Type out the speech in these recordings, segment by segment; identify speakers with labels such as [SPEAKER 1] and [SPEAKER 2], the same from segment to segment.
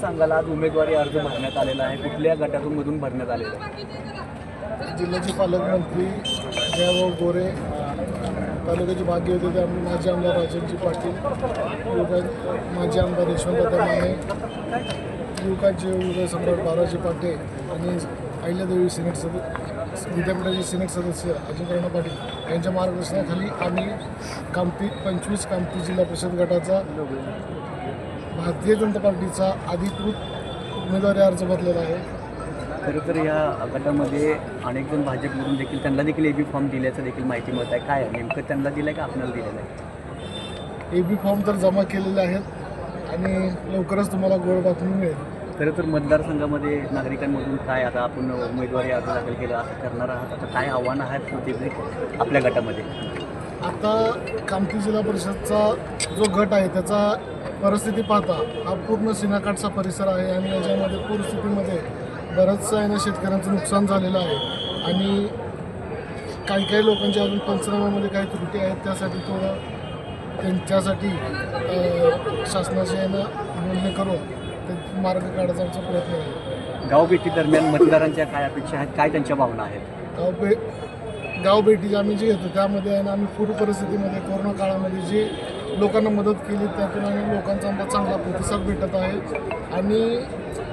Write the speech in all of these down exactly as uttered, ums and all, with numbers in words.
[SPEAKER 1] सांगाल, आज उमेदवारी अर्ज भरण्यात आलेला आहे, कुठल्या गटातून मधून भरण्यात आलेला आहे?
[SPEAKER 2] जिल्ह्याचे पालकमंत्री जयभाऊ गोरे, तालुक्याचे भाग्य होते ते आमचे माजी आमदार राजनजी पाटील, युवका माजी आमदार यशवंतदादा माने, युवकाचे युवक सम्राट बालाजी पाटे आणि अहिल्यादेवी सिनेट सदस्य विद्यापीठाचे सिनेट सदस्य अजिंक्य पाटील यांच्या मार्गदर्शनाखाली आम्ही कामती पंचवीस कामती जिल्हा परिषद गटाचा भारतीय जनता पार्टीचा अधिकृत उमेदवारी अर्ज भरलेला आहे.
[SPEAKER 1] खरं तर या गटामध्ये अनेक जण भाजपमधून देखील त्यांना देखील ए बी फॉर्म दिल्याचं देखील माहिती मिळत आहे. काय आहे नेमकं, त्यांना दिलं आहे का आपल्याला दिलेलं आहे?
[SPEAKER 2] ए बी फॉर्म तर जमा केलेले आहेत आणि लवकरच तुम्हाला गोड बातमी मिळेल.
[SPEAKER 1] खरं तर मतदारसंघामध्ये नागरिकांमधून काय आता आपण उमेदवारी अर्ज दाखल केला असं करणार आहात, आता काय आव्हानं आहेत ते आपल्या गटामध्ये?
[SPEAKER 2] आता कामती जिल्हा परिषदचा जो गट आहे त्याचा परिस्थिती पाहता हा पूर्ण सिनाकाठचा परिसर आहे आणि याच्यामध्ये पूरस्थितीमध्ये बरंचसं आहे ना शेतकऱ्यांचं नुकसान झालेलं आहे आणि काही काही लोकांच्या अजून पंचनाम्यामध्ये काही त्रुटी आहेत, त्यासाठी थोडं त्यांच्यासाठी शासनाचे आहे ना बोलणे करून ते मार्ग काढायचा आमचा प्रयत्न आहे.
[SPEAKER 1] गावभेटी दरम्यान मतदारांच्या काय अपेक्षा आहेत, काय त्यांच्या भावना आहेत?
[SPEAKER 2] गाव भे गाव भेटी आम्ही जी घेतो त्यामध्ये आहे ना आम्ही पूर परिस्थितीमध्ये कोरोना काळामध्ये जी लोकांना मदत केली त्यातून आणि लोकांचा आमचा चांगला प्रतिसाद भेटत आहे आणि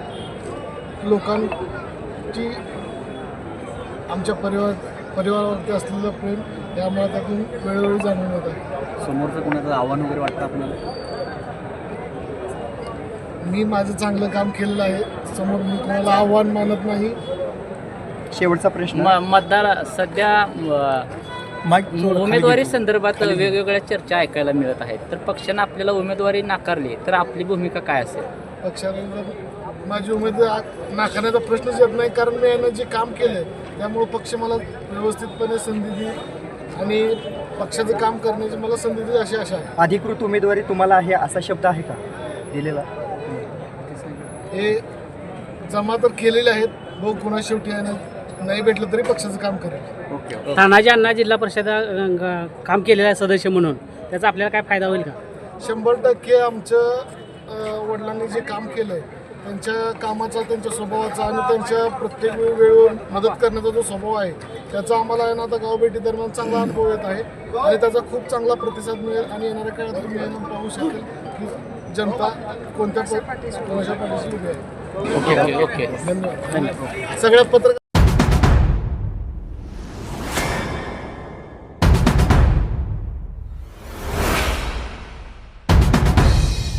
[SPEAKER 2] लोकांची आमच्या परिवार परिवारावरती असलेलं प्रेम यामुळे त्यातून वेळोवेळी जाणून येत आहे.
[SPEAKER 1] समोरचं कोणाचं आव्हान वगैरे वाटतं आपल्याला?
[SPEAKER 2] मी माझं चांगलं काम केलेलं आहे, समोर मी कोणाला आव्हान मानत नाही.
[SPEAKER 3] शेवटचा प्रश्न,
[SPEAKER 4] म मतदार सध्या उमेदवारी संदर्भात वेगवेगळ्या चर्चा ऐकायला मिळत आहेत, तर पक्षानं आपल्याला उमेदवारी नाकारली तर आपली भूमिका काय असेल?
[SPEAKER 2] पक्षाने जर माझी उमेदवारी नाकारण्याचा प्रश्नच येत नाही, कारण मी यानं जे काम केलं आहे त्यामुळं पक्ष मला व्यवस्थितपणे संधी देईल आणि पक्षाचं काम करण्याची मला संधी देईल अशी आशा आहे.
[SPEAKER 3] अधिकृत उमेदवारी तुम्हाला आहे असा शब्द आहे का दिलेला?
[SPEAKER 2] हे जमा तर केलेले आहेत, भाऊ कुणा शेवटी आहे ना नाही भेटलं तरी पक्षाचं काम करेल.
[SPEAKER 1] ओके.
[SPEAKER 5] तानाजी अण्णा जिल्हा परिषद काम केलेलं आहे सदस्य म्हणून, त्याचा आपल्याला काय फायदा होईल का?
[SPEAKER 2] शंभर टक्के आमच्या वडिलांनी जे काम केलं आहे त्यांच्या कामाचा, त्यांच्या स्वभावाचा आणि त्यांच्या प्रत्येक वेळेवर मदत करण्याचा जो स्वभाव आहे त्याचा आम्हाला आहे ना आता गावभेटी दरम्यान चांगला अनुभव येत आहे आणि त्याचा खूप चांगला प्रतिसाद मिळेल आणि येणाऱ्या काळात तुम्ही येऊन पाहू शकेल की जनता कोणत्या कोणाच्या पाठीशी उभी आहे.
[SPEAKER 4] ओके ओके
[SPEAKER 2] धन्यवाद. सगळ्या पत्रकार